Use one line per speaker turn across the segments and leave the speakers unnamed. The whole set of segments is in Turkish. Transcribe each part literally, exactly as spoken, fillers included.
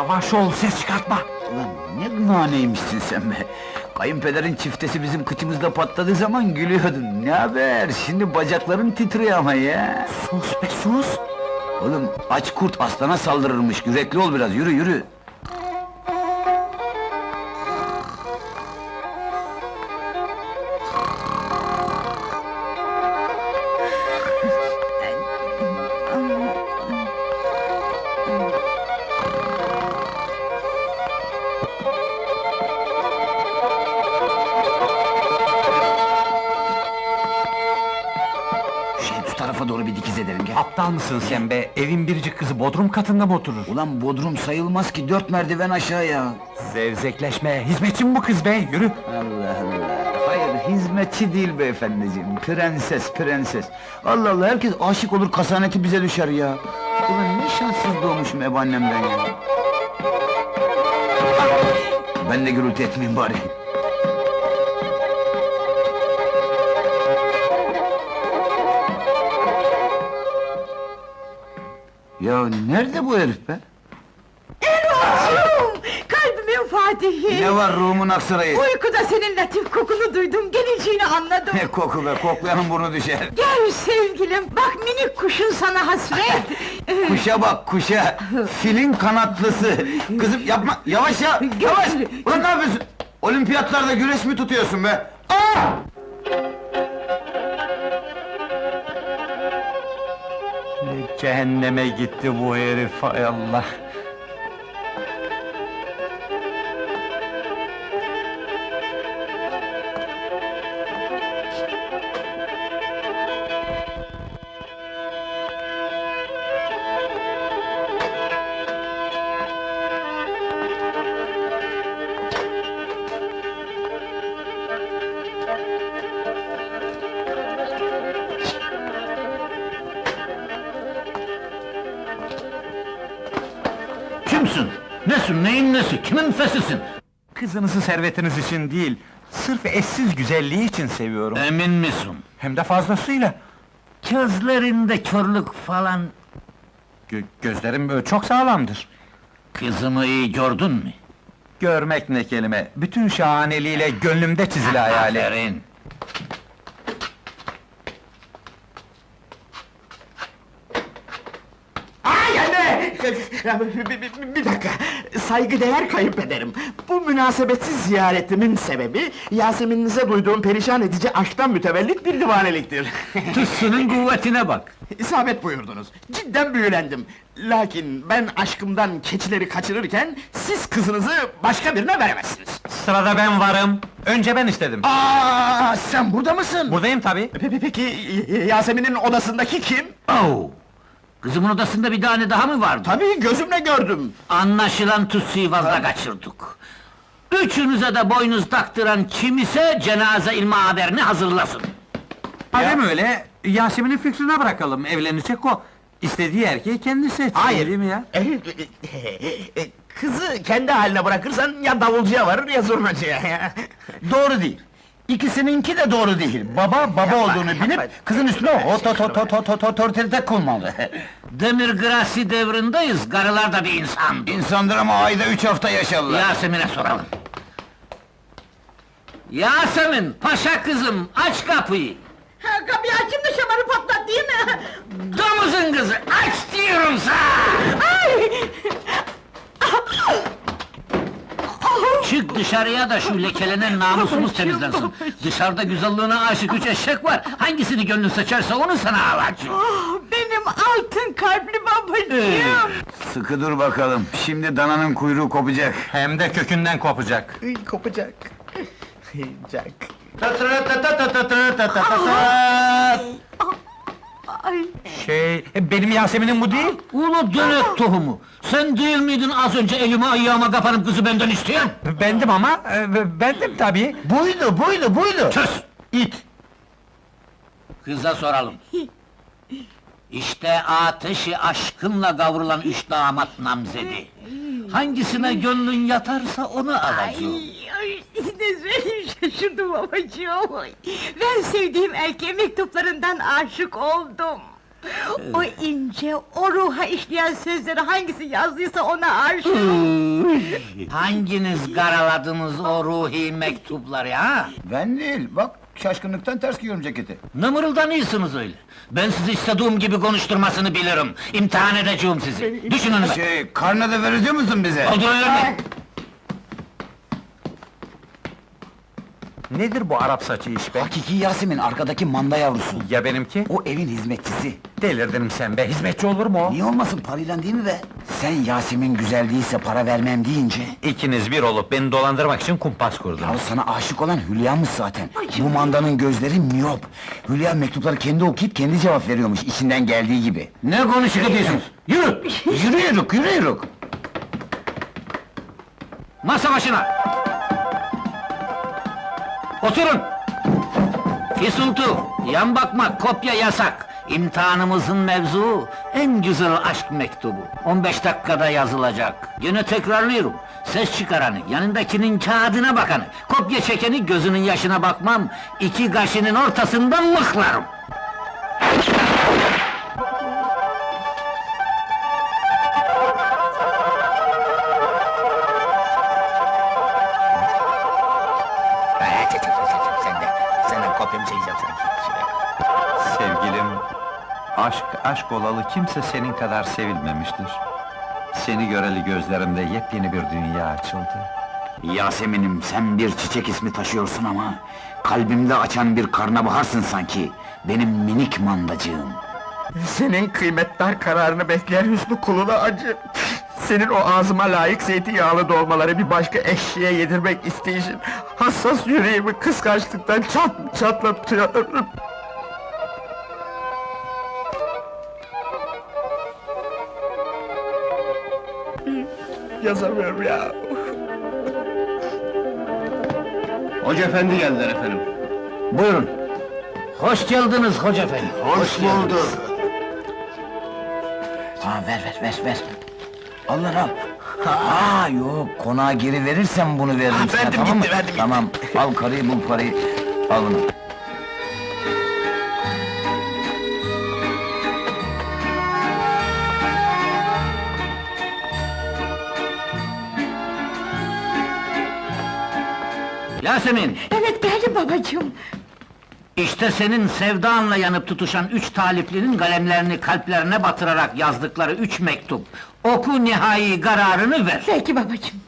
Yavaş ol, ses çıkartma!
Ulan ne naneymişsin sen be! Kayınpederin çiftesi bizim kıçımızda patladığı zaman gülüyordun. Ne haber? Şimdi bacakların titriyor ama ya!
Sus be, sus!
Oğlum, aç kurt aslana saldırırmış, yürekli ol biraz, yürü yürü! Şu tarafa doğru bir dikiz edelim, gel!
Aptal mısın sen be? Evin biricik kızı bodrum katında mı oturur?
Ulan bodrum sayılmaz ki, dört merdiven aşağıya!
Zevzekleşme, hizmetçi mi bu kız be? Yürü!
Allah Allah! Hayır, hizmetçi değil beyefendiciğim, prenses, prenses! Allah Allah, herkes aşık olur, kasaneti bize düşer ya! Ulan ne şanssız doğmuşum ebaannemden ya! Ben de gürültü etmeyeyim bari! Ya nerede bu herif be?
Erol'cum! Kalbimin Fatihi!
Ne var ruhumun aksarayı?
Uykuda senin latif kokunu duydum, geleceğini anladım!
Ne koku be, koklayanın burnu düşer!
Gel sevgilim, bak minik kuşun sana hasret!
Kuşa bak, kuşa! Filin kanatlısı! Kızım yapma, yavaş ya, yavaş! Ulan ne yapıyorsun? Olimpiyatlarda güreş mi tutuyorsun be? Aa!
Ne cehenneme gitti bu herif, hay Allah!
Kimsin? Nesin, neyin nesi, kimin fesisin?
Kızınızı servetiniz için değil, sırf eşsiz güzelliği için seviyorum.
Emin misin?
Hem de fazlasıyla.
Gözlerinde körlük falan...
Gö- gözlerim böyle çok sağlamdır.
Kızımı iyi gördün mü?
Görmek ne kelime, bütün şahaneliğiyle gönlümde çizili hayali.
Aferin!
Ay anne! Bir, bir- bir dakika, saygıdeğer kayınpederim. Bu münasebetsiz ziyaretimin sebebi, Yasemin'inize duyduğum perişan edici aşktan mütevellit bir divaneliktir.
Tüssünün kuvvetine bak!
İsabet buyurdunuz, cidden büyülendim. Lakin ben aşkımdan keçileri kaçırırken, siz kızınızı başka birine veremezsiniz.
Sırada ben varım, önce ben istedim.
Aa, sen burada mısın?
Buradayım tabii.
Pe- Peki, y- Yasemin'in odasındaki kim?
Oh! Kızımın odasında bir tane daha mı vardı?
Tabii, gözümle gördüm.
Anlaşılan Tutsi'yi fazla kaçırdık. Üçünüze de boynuz taktıran kim ise cenaze ilma haberini hazırlasın.
Madem öyle, Yasemin'in fikrine bırakalım, evlenecek o. İstediği erkeği kendi seçsin,
Hayır.
değil mi ya?
E, e, e, Kızı kendi haline bırakırsan ya davulcuya varır ya zurnacıya.
Doğru değil! İkisininki de doğru değil! Baba, baba olduğunu
yapma.
bilip, kızın üstüne o to to to to to to otorite kurmalı!
Demir Grasi devrindeyiz, karılar da bir insan.
İnsandır ama ayda üç hafta yaşarlar!
Yasemin'e soralım. Yasemin, paşa kızım, aç kapıyı!
Ha, kapıyı açayım da şamarı patlat değil mi?
Domuzun kızı, aç diyorum sana!
Ay!
Çık dışarıya da şu lekelenen namusumuz temizlensin. Dışarıda güzelliğine aşık üç eşek var, hangisini gönlün seçerse onu sana alacağım.
Oh, benim altın kalpli babacığım!
Sıkı dur bakalım, şimdi dananın kuyruğu kopacak!
Hem de kökünden kopacak.
Kopacak. Jack.
Ay!
Şey, benim Yasemin'im bu değil.
Ulu dönek tohumu! Sen değil miydin az önce elime ayağıma kapanıp kızı benden isteyen?
Bendim ama, e, bendim tabii.
Buydu, buydu, buydu!
Sus!
İt!
Kıza soralım. İşte ateşi aşkınla kavrulan üç damat namzedi. Hangisine gönlün yatarsa onu alacağım.
Ay, ay, ne söyleyeyim şaşırdım babacığım! Ben sevdiğim erkeğe mektuplarından aşık oldum! O ince, o ruha işleyen sözleri hangisi yazdıysa ona aşığım.
Hanginiz karaladınız o ruhi mektupları ha?
Ben değil, bak şaşkınlıktan ters giyiyorum ceketi.
Ne mırıldanıyorsunuz öyle? Ben sizi istediğim gibi konuşturmasını bilirim. İmtihan edeceğim sizi. Düşün önüme.
Şey, karnı da verecek musun bize?
Oturun önüme.
Nedir bu Arap saçı iş be?
Hakiki Yasemin, arkadaki manda yavrusu.
Ya benimki?
O evin hizmetçisi.
Delirdin sen be, hizmetçi olur mu o?
Niye olmasın, parayla değil mi be? Sen Yasemin güzel değilse para vermem deyince...
İkiniz bir olup beni dolandırmak için kumpas kurdunuz.
Ya sana aşık olan Hülya'mış zaten. Bu mandanın gözleri miyop. Hülya mektupları kendi okuyup kendi cevap veriyormuş, içinden geldiği gibi.
Ne konuşuyor diyorsunuz? Yürü!
Yürüyoruz, yürüyoruz.
Masa başına! Oturun! Fisultu, yan bakmak, kopya yasak. İmtihanımızın mevzuu, en güzel aşk mektubu. on beş dakikada yazılacak. Yine tekrarlıyorum. Ses çıkaranı, yanındakinin kağıdına bakanı, kopya çekeni gözünün yaşına bakmam, iki kaşının ortasından mıhlarım.
Sen de, senden kopyamı çekeceğim sanki.
Sevgilim, aşk, aşk olalı kimse senin kadar sevilmemiştir. Seni göreli gözlerimde yepyeni bir dünya açıldı.
Yasemin'im, sen bir çiçek ismi taşıyorsun ama... ...kalbimde açan bir karnabaharsın sanki. Benim minik mandacığım.
Senin kıymetdar kararını bekleyen Hüsnü kuluna acı. Senin o ağzıma layık zeytinyağlı dolmaları bir başka eşeğe yedirmek isteyişin... ...hassas yüreğimi kıskançlıktan çat çatlatıyor. Yazamıyorum ya.
Hoca efendi geldiler efendim.
Buyurun. Hoş geldiniz hoca efendi.
Hoş bulduk. Ha, ver ver ver ver. Allah al. Ha yok, konağa geri verirsen bunu veririm
Ha,
sana,
verdim
tamam
gitti,
mı?
verdim gitti.
Tamam, al karıyı, bul parayı, al bunu.
Yasemin,
Evet geldim babacığım.
işte senin sevdanla yanıp tutuşan üç taliplinin kalemlerini kalplerine batırarak yazdıkları üç mektup. Oku nihai kararını ver.
Peki babacığım.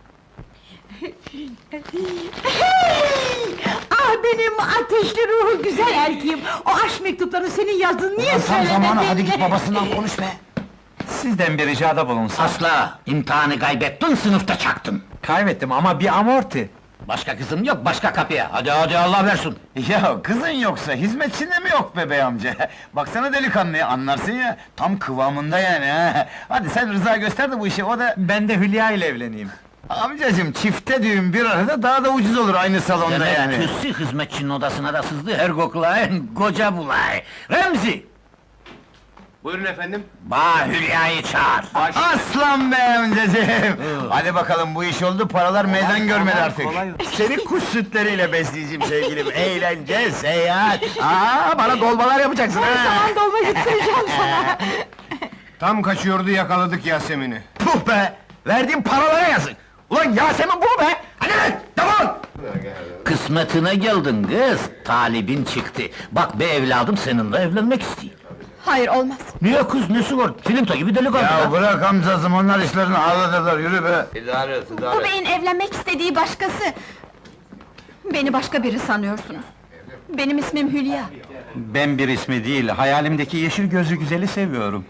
Ah benim ateşli ruhu güzel erkeğim! O aşk mektuplarını senin yazdığını niye
Ulan tam
söylemedin?
zamanı, hadi git babasından konuş be!
Sizden bir ricada bulunsa...
Asla, imtihanı kaybettin, sınıfta çaktın.
Kaybettim ama bir amorti.
Başka kızım yok, başka kapıya. Hadi hadi Allah versin.
Ya kızın yoksa hizmetçinde mi yok be bey amca? Baksana delikanlıya, anlarsın ya, tam kıvamında yani ha! Hadi sen rıza göster de bu işi, o da...
Ben de Hülya ile evleneyim.
Amcacım, çifte düğün bir arada daha da ucuz olur aynı salonda
Demek
yani.
tüssü hizmetçinin odasına da sızdı, her koklayın, koca bulay. Remzi!
Buyurun efendim.
Bağ Hülya'yı çağır.
Aslan be amcacım! Hadi bakalım, bu iş oldu, paralar meydan görmedi artık.
Seni kuş sütleriyle besleyeceğim sevgilim. Eğlence, seyahat. Aa, bana dolmalar yapacaksın ha.
Zaman dolma getireceğim sana!
Tam kaçıyordu yakaladık Yasemin'i.
Puh be! Verdiğim paralara yazık! Ulan Yasemin bu be! Hadi lan, defol!
Kısmetine geldin kız, talibin çıktı. Bak be evladım, seninle evlenmek istiyor.
Hayır olmaz!
Niye kız, nesi var? Filinto gibi delikanlı
Ya
ha?
bırak amcacım, onlar işlerini ağlatırlar, yürü be!
Bu beyin evlenmek istediği başkası! Beni başka biri sanıyorsunuz. Benim ismim Hülya.
Ben bir ismi değil, hayalimdeki yeşil gözlü güzeli seviyorum.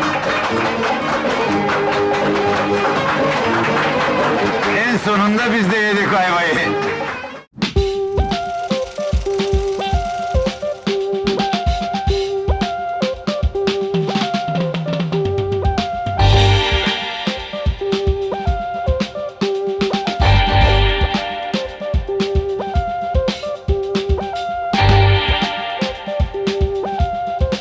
En sonunda biz de